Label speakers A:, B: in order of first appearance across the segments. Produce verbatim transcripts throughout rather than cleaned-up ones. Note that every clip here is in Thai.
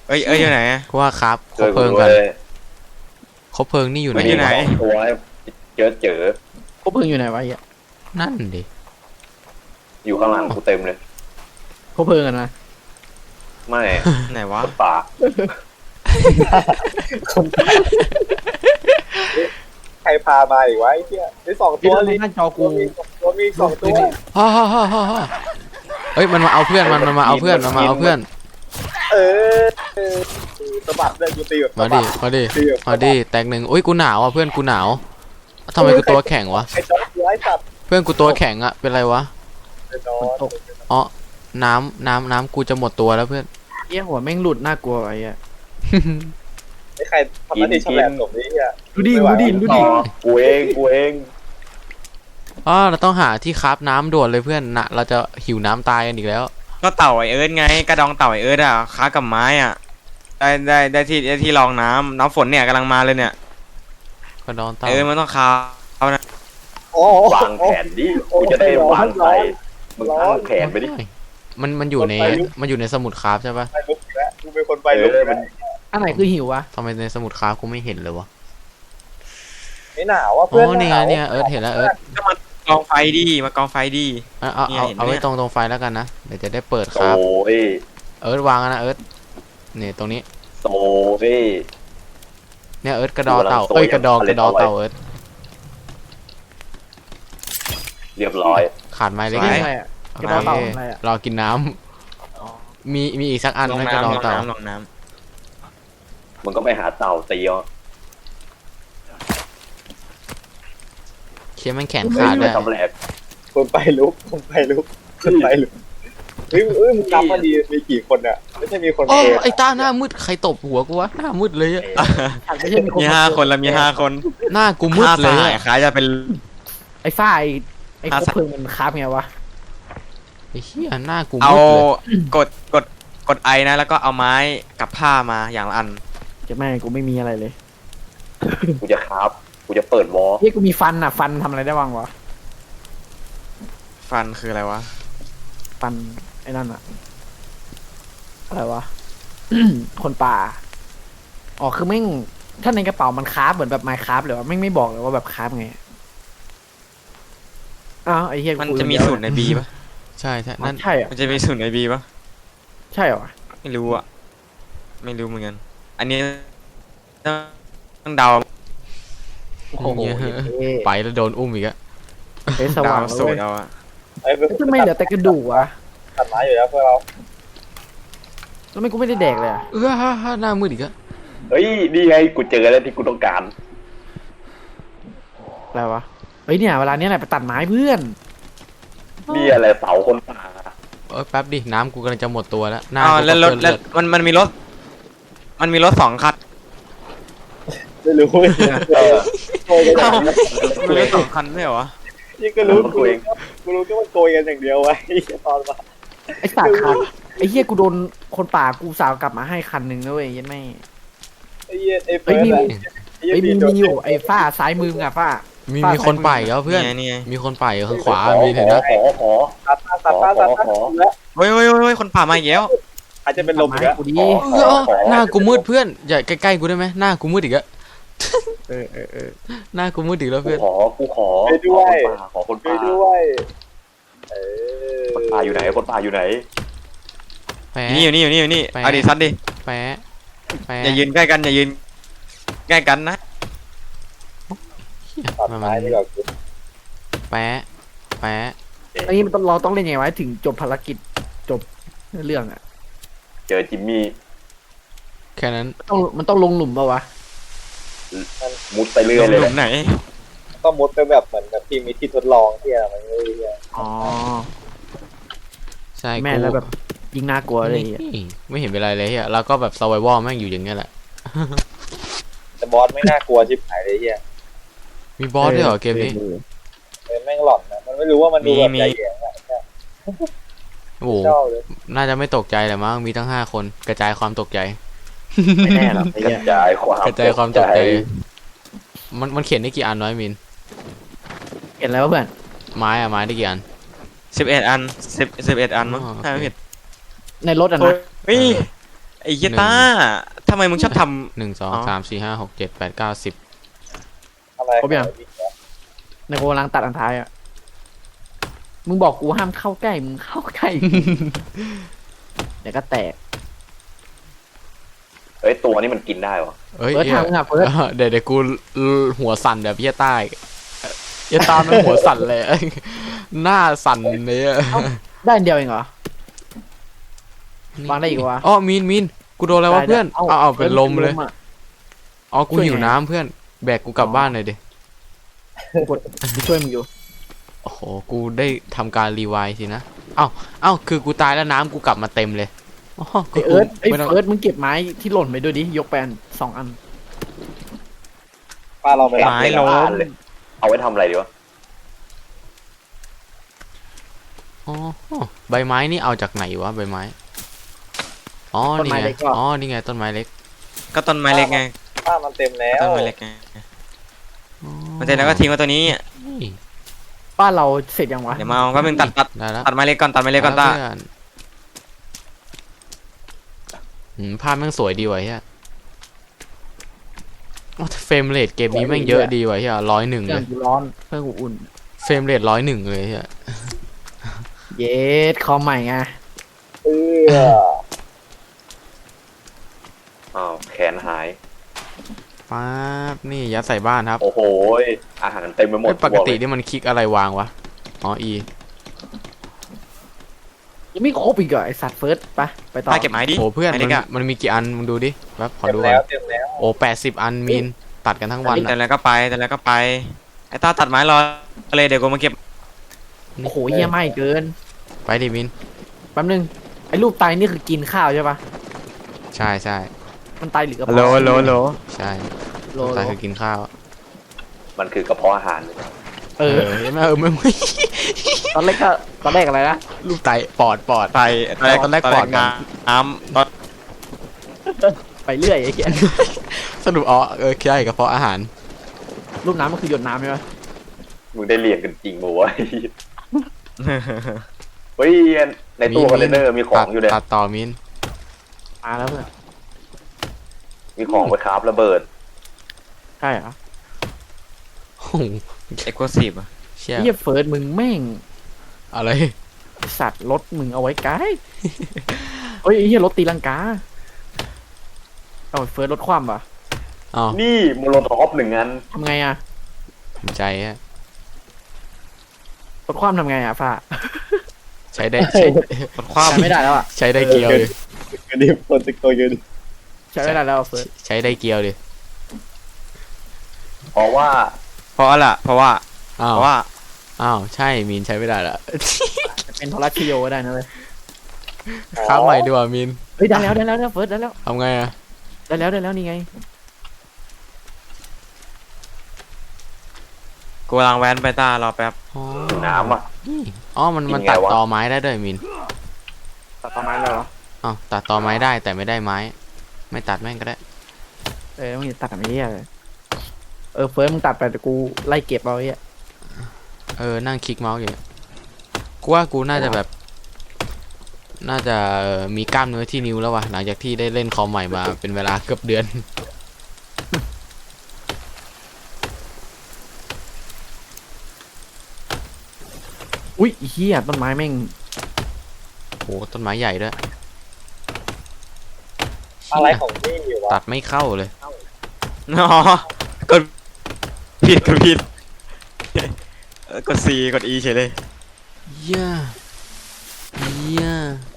A: เอ้ยเอ้ยอยู่ไหน
B: กูว่าครับคบเพลิงกันคบเพลิงนี่อยู่ไหน
A: อยู่ไหน
C: ตัวเจอเจอ
D: คบเพลิงอยู่ไหนวะไอ้
B: นั่นดิ
C: อยู่ข้างหลังกูเต็มเลย
D: คบเพลิงกันนะ
C: ไม่
A: ไหนวะ
C: ป่าใครพามาอีกวะไอ้เหี้ยไอ้สองตัว
D: นี่นั่นจอกู
C: ตัวมีสองตัว
B: ฮ่าฮ่าฮ่าฮ่าเฮ้ยมันมาเอาเพื่อนมันมันมาเอาเพื่อนมันมาเอาเพื่อน
C: เออสะบัดเลยกูตี
B: มาดิมาดิมาดิแตกหนึ่งอุ้ยกูหนาวอ่ะเพื่อนกูหนาวทำไมกูตัวแข็งวะเพื่อนกูตัวแข็งอ่ะเป็นไรวะอ๋อน้ำน้ำน้ำกูจะหมดตัวแล้วเพื่อน
D: เอี้ยหัวแม่งหลุดน่ากลัวไอ้อะ
C: ไอ้ใครทำหน้าที่ชำแหละตรงนี้อ่ะ
D: ดูดิดูดิดูดิ
C: กูเองกูเอง
B: อ๋อเราต้องหาที่คับน้ำด่วนเลยเพื่อนนะเราจะหิวน้ำตายกันอีกแล้ว
A: ก็เต่าไอเอิร์ธไงกระดองเต่าไอเอิร์ธอ่ะค้ากับไม้อ่ะได้ได้ได้ที่ได้ที่รองน้ำน้ำฝนเนี่ยกำลังมาเลยเนี่ย
B: กระดองเต่า
A: เออมันต้องค้าเอานะ
C: วางแผนดิกูจะได้วางใส่มึงตั้งแผนไปดิ
B: มันมันอยู่ในมันอยู่ในสมุดคราฟใช่ปะ
C: กูเป็นคนไปเลยมัน
D: อันไหนคือหิววะ
B: ทำไมในสมุดคราฟกูไม่เห็นเลยวะ
C: ไม่หนาวว่ะเพื่อน
B: อ๋อเนี่ยเนี่ยเอิร์ธเห็นแล้วเอิร์ธ
A: ก็มากองไฟดิมากองไฟดิ
B: เอาเอาเอาเอาไว้ตรงตรงไฟแล้วกันนะเดี๋ยวจะได้เปิดครับ
C: โอ้ย
B: เอิร์ธวางนะเอิร์ธเนี่ยตรงนี้
C: โซฟี่
B: เนี่ยเอิร์ธกระดอเต่าเอ้ยกระดองกระดอเต่าเอิร์ธ
C: เรียบร้อย
B: ขาดไม้เล็ก
D: กระดองเต่าอะไรอะ
B: รอกินน้ำมีมีอีกสักอันไหมกระดองเต่า
A: ลองน้ำ
C: มันก็ไปหาเต่าตีอ่ะ
B: เชี่ยมันแขนขาดเลย
C: คนไปลุกคนไปลุกคนไปลุกเฮ้ยเอ้ยมึงจำมาดีมีกี่คนอ่ะไม่ใช่มีคน
B: โอ้ไอ้ตาหน้ามืดใครตบหัวกูวะหน้ามืดเลยอ่ะ
A: มีห้าคนแล้วมีห้าคน
B: หน้ากูมืดเลย
A: ขายจะเป็น
D: ไอ้ฝ้ายไอ้คบเพลิงมันคาบไงวะ
B: ไอ้เหี้ยหน้ากู
A: เอากดกดกดไอนะแล้วก็เอาไม้กับผ้ามาอย่างละอัน
D: จะแม่กูไม่มีอะไรเลย
C: กูจะคาบกูจะเปิดวอล
D: เฮ้ยกูมีฟันอ่ะฟันทำอะไรได้บ้างวะ
A: ฟันคืออะไรวะ
D: ฟันไอ้นั่นอะอะไรวะ คนป่าอ๋อคือแม่งถ้าในกระเป๋ามันคราฟเหมือนแบบไมค์คราฟเลยวะแม่งไม่บอกเลยว่าแบบคราฟไงอ้าวไอ้เหี้ย
A: มันจะมีสูตรในบีป่ะ
B: ใช่ใช่นั่น
D: ใช่อะ
A: มันจะมีสูตรในบีป่ะ
D: ใช่เหรอ
A: ไม่รู้อะไม่รู้เหมือนกันอันนี้ต้องเดา
D: โอ้โห
B: ไปแล้วโดนอุ้มอีกอะ
D: เฮ้ยสว่าง
A: สูตรเอาอะ
D: ทำไมเหลือแต่กระดูกวะ
C: ตัดไม้อยู่แล้วพวกเรา
D: แล้วไม่กูไม่ได้แดกเลยอะ
B: เออฮ่าฮ่าหน้ามืดอีกอะ
C: เฮ้ยนี่ไงกูเจอแล้วที่กูต้องการ
D: อะไรวะเฮ้ยเนี่ยเวลาเนี้ยแหละไปตัดไม้เพื่อน
C: นี่อะไรเสาคนป่า
B: เออแป๊บดิน้ำกูกำลังจะหมดตัวแล้วน้
A: ำแล้วรถแล้วมันมันมีรถมันมีรถสองคัน
C: ไม่รู้เออ
A: มีรถสองคันไม่เหรอ
C: นี่ก็รู้กูเองกูรู้แค่ว่าโกยกันอย่างเดียวไว้ตอนมา
D: ไอ้สัตว์คันไอ้เหี้ยกูโดนคนป่ากูสาวกลับมาให้คันหนึ่งด้วยยันไม่
C: ไอ้เหี้ยไอ้เฟิ
D: ร์สไอ้มีมีอยู่ไอ้ฝ้าซ้ายมืออ่ะฝ้า
B: มีมีคนป่าแล้วเพื่อนมีคนป่าอยู่ข้างขวามีเห็นนะ
C: ขอขอตัดตัดตัดตัดตัด
A: เฮ้ยเฮ้ยเฮ้ยคนป่ามาอีกแล้ว
C: อาจจะเป็นลมอีกแล้ว
B: หน้ากูมืดเพื่อนอย่าใกล้ๆกูได้ไหมหน้ากูมืดอีกแล้ว
D: เออเออเออ
B: หน้ากูมืดอีกแล้วเพื่อน
C: ขอกูขอไปด้วยขอคนป่าด้วยเออคนป่าอยู่ไหนคนป่าอยู่ไหน
A: นี่อยู่นี่อยู่นี่อยู่นี่เอาดิซัดดิ
B: แปะแปะ
A: อย่ายืนใกล้กันอย่ายืนใกล้กันนะ
B: มามาแปะแปะ
D: อันนี้มันต้องเราต้องเล่นยังไงวะถึงจบภารกิจจบเรื่องอ่ะ
C: เจอจิมมี่
B: แค่นั้น
D: ต้องมันต้องลงหลุมป่าวะ
C: มุดไปเรื่อยเลย
A: หลุมไหน
C: ต้องมุดไปแบบเหมือนแบบที่มีที่ทดลองที่อะไรมันเลย
D: อ๋อ
B: ใช่
D: แม่แล้วแบบยิงน่ากลัวเลย
B: ไม่เห็นเป็นไรเลยเฮียเราก็แบบ survival แม่งอยู่อย่างเงี้ยแหละ
C: แต่บอสไม่น่ากลัวชิบหายเลยเฮีย
B: มีบอสด้วยเหรอเกมนี้
C: แม่งหลอนนะมันไม่รู้ว่ามันดูแบบใหญ่ใหญ่
B: โอ้โหน่าจะไม่ตกใจแหละมั้งมีทั้งห้าคนกระจายความตกใจ
C: ไม่แน่หรอกกระจายความ
B: กระจายความตกใจมันมันเขียนได้กี่อันน้อยมิน
D: เห็นแล้วเพื่อน
B: ไม้อะไม้ได้กี่อัน
A: สิบเอ็ดอันสิบสิบเอ็ดอันมั้งใช่ไหมผิด
D: ในรถอ่ะนะ
A: เฮ้ยไอไอ้เหี้ยต้าทำไมมึงชอบท
B: หนึ่งสอง
A: อ๋อ
B: สามสี่ห้าหกเจ็ดแปดเก้าสิบ
C: อะไร
D: ครบยัง ในโกำลังตัดอันท้ายอ่ะมึงบอกกูห้ามเข้าใกล้มึงเข้าใกล้ เดี๋ยวก็แตก
C: เฮ้ยตัวนี้มันกินได้วะ
B: เอ้ย
D: เฟิร์ส
B: เหี้ย
D: ทำอ่ะเฟิร์ส
B: เออเดี๋ยวเดี๋ยวกูหัวสั่นแบบเหี้ยใต้เหี้ยใต้มันหัวสั่นเลย หน้าสั่นเลยอะ
D: ได้อันเดียวเองเหรอ วางได้อีกวะ
B: อ๋อมีนมีนกูโดนอะไรวะเพื่อนเอาเอาเป็นลมเลย
D: อะ
B: อ๋อกู
D: ช่วย
B: หิว
D: ไง
B: น้ำเพื่อนแบกกูกลับบ้านหน่อยดิ
D: กูกดกูช่วยมึงอยู่
B: โอ้โหกูได้ทำการรีไวล์สินะเอ้าเอ้าคือกูตายแล้วน้ำกูกลับมาเต็มเลยอ๋อ
D: ไอเอิร์ธไอ
B: ไม่ต้อง
D: เอิร์ธมึงเก็บไม้ที่หล่นไปด้วยดิ ยกแปนสองอัน
C: ป้าเราไป
A: ำ
C: รับ
A: ไม้ล้ม
C: เลยเอาไว้ทำอะไรดีวะ
B: อ๋อใบไม้นี่เอาจากไหนวะใบไม้อ๋อ
D: ต้น
B: นี่
D: ไม้
B: ไง
D: เล็กก็
B: อ๋อนี่ไงต้นไม้เล็ก
A: ก็ต้นไม้เล็กไง
C: ป้ามันเต็มแล้ว
A: ต้นไม้เล็กไง
B: อ๋อ
A: มันเสร็จแล้วก็ทิ้งไว้ตัวนี้
B: เฮ้ย
D: บ้านเราเสร็จยังวะ
A: เดี๋ยวมาเอาแป๊บนึงตัดตัด
B: ได้แล้ว
A: ตัดไม้เล็กก่อนตัดไม้เล็กก่อนตา
B: ได้แล้วเพื่อนอืมภาพแม่งสวยดีว่ะเฮียโอ้แต่เฟรมเรทเกมนี้แม่งเยอะดีว่ะเฮียร้อยหนึ่ง
D: เค
B: เล
D: รื่อง
B: ย
D: กูร้อนเครื่องกูอุ่น
B: เฟรมเรทร้อยหนึ่งเลยเฮีย
D: เยสคอมใหม่ไง
C: เอออ้าวแขนหาย
B: ป๊าบนี่ยัดใส่บ้านครับ
C: โอ้โหยอาหารเต็มไปหมด
B: เอ้ยปกติ
C: บอกเลย
B: นี่มันคลิกอะไรวางวะอ๋อ E
D: ยังไม่ครบอีกเหรอไอสัตว์เฟิร์สไปไปต่อ
A: ตาเก็บไม้ดิ
B: โอ้เพื่อน
A: ไม้
B: มั
A: เล็
B: น
A: กอะ
B: มันมีกี่อันมึงดูดิแป๊บขอ
C: เต็ม
B: ดูก่
C: แล้
B: อ
C: วน เต็มแล้ว
B: โอ้แปดสิบอันมีนตัดกันทั้งวัน
A: แต่
B: อะ
A: แล้วก็ไปแต่แล้วก็ไปไอ้ตาตัดไม้รอเลยเดี๋ยวกูมาเก็บ
D: โอ้โหเยี่ยมไม่เกิน
B: ไปดิมิน
D: แป๊บนึงไอ้รูปไตนี่คือกินข้าวใช่ปะ
B: ใช่ใช่
D: มันไตหรือกระ
A: ฮัลโหล
D: เพาะ
A: ฮัลโหลฮัลโหล
B: ใช่
D: โล
B: ตายคือกินข้าว
C: มันคือกระเพาะอาหารเลย
D: เอ
B: เอ
D: อ
B: อไม่เออไม่ไม่
D: ตอนแรกก็ตอนแรกอะไรนะ
B: ลูกไตปอดปอด
A: ไปตอนแรก
B: ตอนแรกปอดก่อน
A: น้ำตอน
D: ไปเรื่อยไอ้เหี้ย
B: สรุปอ๋อเออใช่กระเพาะอาหาร
D: รูปน้ำมันคือหยดน้ำใช่ปะ
C: มึงได้เรียนกันจริงมั้วะเฮ้ยในตู้คอนเทนเนอร์มีของอยู่เลย
B: ตัดต่อมิน
D: มาแล้วเพื่อน
C: มีของไปคราฟระเบิด
D: ใช่เหรอ
B: โอ้โห
A: เอ็กซ์คลูซีฟอะ
B: เชี่ย
D: เฮียเฟิร์สมึงแม่ง
B: อะไร
D: ไอ้สัตว์รถมึงเอาไว้ไกลเฮ้ยไอ้เฮียรถตีลังกาเอาเฟิร์สรถคว่ำปะ
B: อ๋อ
C: นี่โมโลท็อปหนึ่งอัน
D: ทำไงอะ
B: ภูมิใจฮะ
D: รถคว่ำทำไงอะฟ้า
B: ใช้ได้ใช้
A: กดคว้า
D: ใช้ไม่ได้แล้วอะ
B: ใช้ได้เกียวดิ
C: กระดิ่งคนติดตัวยืน
D: ใช้ไม่ได้แล้วอะเฟิร์ส
B: ใช้ได้เกียวดิ
C: เพราะว่า
A: เพราะอะไรเพราะว่า
B: อ้า
A: เพ
B: ว
A: ราะว่า
B: อ้าวใช่มินใช้ไม่ได้ละ
D: จะเป็นโทรชิโยก็ได้นะเลย
B: ค้าใหม่ดีกว่ามิน
D: เฮ้ยได้แล้วได้แล้วได้แล้วเฟิร์สได้แล้ว
B: ทำไงอะ
D: ได้แล้วได้แล้วนี่ไง
A: กูกำลังแว้นไปตารอแป๊บ
B: อ๋อ
C: น้ำอ่ะ
B: นี่อ๋อมันมัน
C: กินไง
B: ตัด
C: วะ
B: ตอไม้ได้ด้วยมิน
D: ตัดต้นไม้แล้วเหรอ
B: อ๋อตัดตอไม้ได้แต่ไม่ได้ไม้ ไม่ตัดแม่งก็ได้
D: เออมึงอย่าตัดแบบนี้เลยเออเฟิร์สมึงตัดไปแต่กูไล่เก็บเอาไอ้เหี้ย
B: เออนั่งคลิกเมาส์อยู่เนี่ยกูว่ากูน่าจะแบบ น่าจะเอ่อมีกล้ามเนื้อที่นิ้วแล้ววะหลังจากที่ได้เล่นคอมใหม่มาเป็นเวลาเกือบเดือน
D: อุ้ยไอ้เฮียต้นไม้แม่ง
B: โหต้นไม้ใหญ่ด้วย
C: อะไรของนี่อยู่วะ
B: ตัดไม่เข้าเลย
A: อ๋อกดผิดกดผิดเออกด C กด E เฉยเลย
B: เย่เย่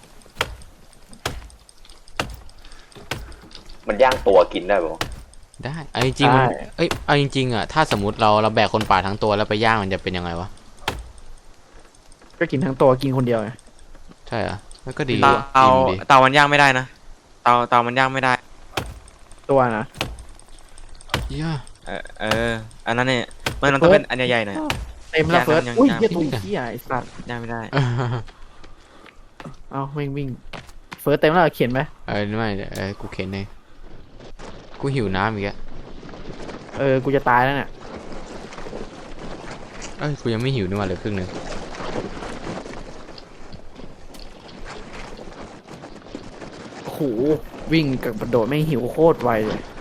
C: มันย่างตัวกินได้ปะ
B: ได้เอาจริงๆมันเอ้ยเอาจริงๆอ่ะถ้าสมมติเราเราแบกคนป่าทั้งตัวแล้วไปย่างมันจะเป็นยังไงวะ
D: ก็กินทั้งตัวกินคนเดียวไง
B: ใช่เหรอมันก็ดี
A: เตา
B: ว่ะ
A: เตา
B: อิ่มดี
A: เตามันย่างไม่ได้นะเตาเตามันย่างไม่ได้
D: ตัวนะ
B: เย่
A: เออเอออันนั้นเนี่ยมันมันต้องเป็นอันใหญ่ๆหน่อย
D: เต็มแล้ว
A: ยัง
D: เฟิร์ส
A: ยัง
D: อุ้ย
A: ยัง
D: เฮียตัวเฮียไอ้สัตว์
A: ย่างไม่ได้
D: เอาวิ่งวิ่งเฟิร์สเต็มแล้วเขียนไหม
B: เออไม่เออกูเข็นเองกูหิวน้ำอีกแล้ว
D: เออกูจะตายแล้วเนี่ย
B: เอ้ยกูยังไม่หิวนี่หว่าเหลยครึ่งหนึง
D: โอ้โหโหวิ่งกับกระโดดไม่งหิวโคตรไวเลย